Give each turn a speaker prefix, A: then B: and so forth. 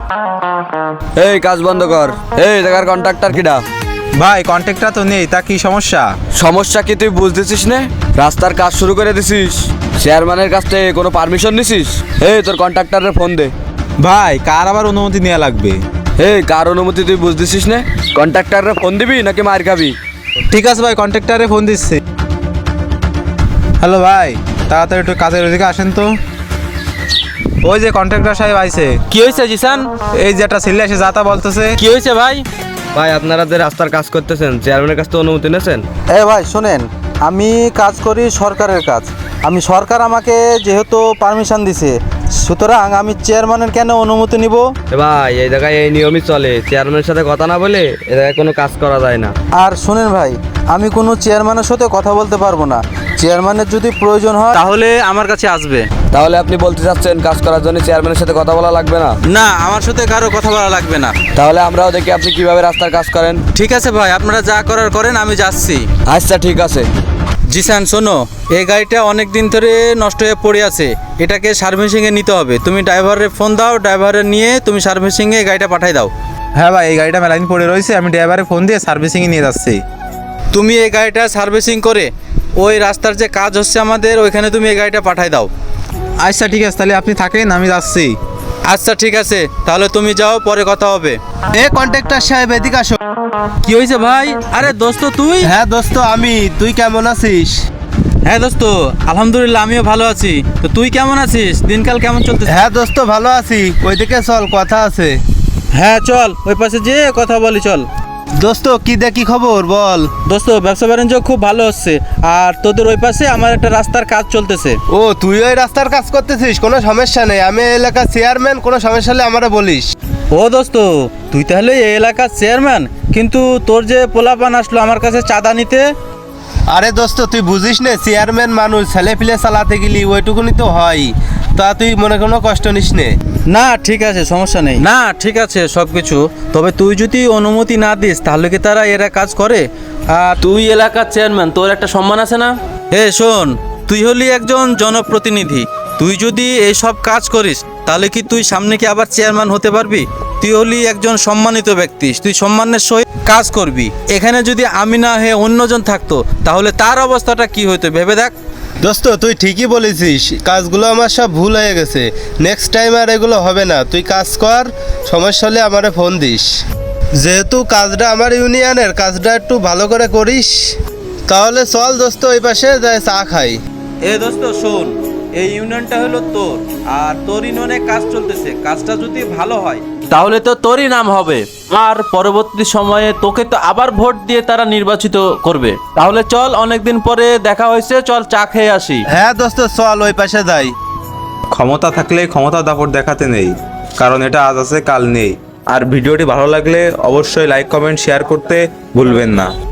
A: এই কাজ বন্ধ কর। এই জায়গার কন্ট্রাক্টর কিডা?
B: ভাই কন্ট্রাক্টর তো নেই, তা কি সমস্যা?
A: সমস্যা কি তুই বুঝতেছিস না? রাস্তার কাজ শুরু করে দিছিস, চেয়ারম্যানের কাছ থেকে কোনো পারমিশন নিছিস? এই তোর কন্ট্রাক্টরের ফোন দে।
B: ভাই কার আবার অনুমতি নেওয়া লাগবে?
A: এই কার অনুমতি তুই বুঝতেছিস না? কন্ট্রাক্টরের ফোন দিবি নাকি মার খাবি?
B: ঠিক আছে ভাই, কন্ট্রাক্টরে ফোন দিচ্ছি। হ্যালো ভাই, তাড়াতাড়ি একটু কাজের ওদিকে আসেন তো। ওই যে কন্ট্রাক্টর সাহেব আইছে।
C: কি হয়েছে জিসান?
B: এই যে একটা ছেলে এসে যাতা বলতেছে।
C: কি হয়েছে ভাই?
A: ভাই আপনারা যে রাস্তার কাজ করতেছেন, চেয়ারম্যানের কাছ থেকে অনুমতি নিয়েছেন?
D: ভাই শোনেন, আমি কাজ করি সরকারের কাজ। সরকার আমাকে যেহেতু পারমিশন দিছে, সুতরাং আমি চেয়ারম্যানের কেন অনুমতি নিব?
A: ভাই এই জায়গায় এই নিয়মই চলে, চেয়ারম্যানের সাথে কথা না বলে এ জায়গায় কোনো কাজ করা যায় না।
D: আর শোনেন ভাই, আমি কোনো চেয়ারম্যানের সাথে কথা বলতে পারবো না। চেয়ারম্যানের যদি প্রয়োজন হয়
C: তাহলে আমার কাছে আসবে।
A: তাহলে আপনি বলতে চাচ্ছেন কাজ করার জন্য চেয়ারম্যানের সাথে কথা বলা লাগবে না?
C: না, আমার সাথে কারো কথা বলা লাগবে না।
A: তাহলে আমরাও দেখি আপনি কিভাবে রাস্তার কাজ করেন।
C: ঠিক আছে ভাই, আপনারা যা করার করেন, আমি যাচ্ছি।
A: আচ্ছা ঠিক আছে।
C: জিসান শোনো, এই গাড়িটা অনেক দিন ধরে নষ্ট হয়ে পড়ে আছে, এটাকে সার্ভিসিংয়ে নিতে হবে। তুমি ড্রাইভারের ফোন দাও, ড্রাইভারের নিয়ে তুমি সার্ভিসিংয়ে গাড়িটা পাঠাই দাও।
B: হ্যাঁ ভাই, এই গাড়িটা মেলাদিন পড়ে রয়েছে, আমি ড্রাইভারে ফোন দিয়ে সার্ভিসিংয়ে নিয়ে যাচ্ছি।
C: তুমি এই গাড়িটা সার্ভিসিং করে ওই রাস্তার যে কাজ হচ্ছে আমাদের, ওইখানে তুমি এই গাড়িটা পাঠাই দাও।
B: আচ্ছা ঠিক আছে, তাহলে আপনি থাকেন, আমি যাচ্ছি।
C: আচ্ছা ঠিক আছে, তাহলে তুমি যাও, পরে কথা হবে।
D: কন্ট্রাক্টর সাহেব এদিকে আসো।
C: কি হয়েছে ভাই? আরে দোস্ত তুই?
D: হ্যাঁ দোস্ত, আমি। তুই কেমন আছিস?
C: হ্যাঁ দোস্ত, আলহামদুলিল্লাহ আমিও ভালো আছি। তো তুই কেমন আছিস? দিনকাল কেমন চলতেছে?
D: হ্যাঁ দোস্ত, ভালো আছি। ওইদিকে চল, কথা আছে।
C: হ্যাঁ চল, ওই পাশে যেয়ে কথা বলি চল।
D: দোস্ত কি দেখি খবর বল।
C: দোস্ত ব্যবসা বাণিজ্য খুব ভালো হচ্ছে, আর তোদের ওই পাশে আমার একটা রাস্তার কাজ চলতেছে।
D: ও, তুই ওই রাস্তার কাজ করতেছিস? কোনো সমস্যা নেই, আমি এই এলাকার চেয়ারম্যান। কোনো সমস্যা হলে আমারে বলিস।
C: ও দোস্ত, তুই তাহলে এই এলাকার চেয়ারম্যান? কিন্তু তোর যে পোলাপান আসলো আমার কাছে চাঁদা নিতে।
D: আরে দোস্ত, তুই বুঝিস না, চেয়ারম্যান মানুষ, ছেলে পিলে চালাতে গেলি ওইটুকুনি তো হয়। তা তুই মনে কোনো কষ্ট নিস নে।
C: না ঠিক আছে, সমস্যা নেই। না ঠিক আছে সব কিছু, তবে তুই যদি অনুমতি না দিস তাহলে কি তারা এরা কাজ করে? আর
E: তুই এলাকার চেয়ারম্যান, তোর একটা সম্মান আছে না?
C: হে শোন, তুই হলি একজন জনপ্রতিনিধি, তুই যদি এইসব কাজ করিস তাহলে কি তুই সামনে কি আবার চেয়ারম্যান হতে পারবি? তুই হলি একজন সম্মানিত ব্যক্তি, তুই সম্মানের সহিত কাজ করবি। এখানে যদি আমি না হয়ে অন্যজন থাকতো তাহলে তার অবস্থাটা কি হতো ভেবে দেখ।
D: দোস্ত তুই ঠিকই বলেছিস, কাজগুলো আমার সব ভুল হয়ে গেছে। নেক্সট টাইম আর এগুলো হবে না। তুই কাজ কর, সমস্যা হলে আমারে ফোন দিস। যেহেতু কাজটা আমার ইউনিয়নের, কাজটা একটু ভালো করে করিস। তাহলে চল দোস্ত, ওই পাশে যাই চা খাই।
C: এ দোস্ত শোন, এই ইউনিয়নটা হলো তোর, আর তোর ইউনিয়নে কাজ চলতেছে, কাজটা যদি ভালো হয়
E: তাহলে তো তোরই নাম হবে, আর পরবর্তী সময়ে তোকে তো আবার ভোট দিয়ে তারা নির্বাচিত করবে। তাহলে চল, অনেকদিন পরে দেখা হয়েছে, চল চা খেয়ে আসি।
D: হ্যাঁ দোস্ত চল, ওই পাশে যাই।
B: ক্ষমতা থাকলে ক্ষমতা দাপট দেখাতে নেই, কারণ এটা আজ আছে কাল নেই। আর ভিডিওটি ভালো লাগলে অবশ্যই লাইক কমেন্ট শেয়ার করতে ভুলবেন না।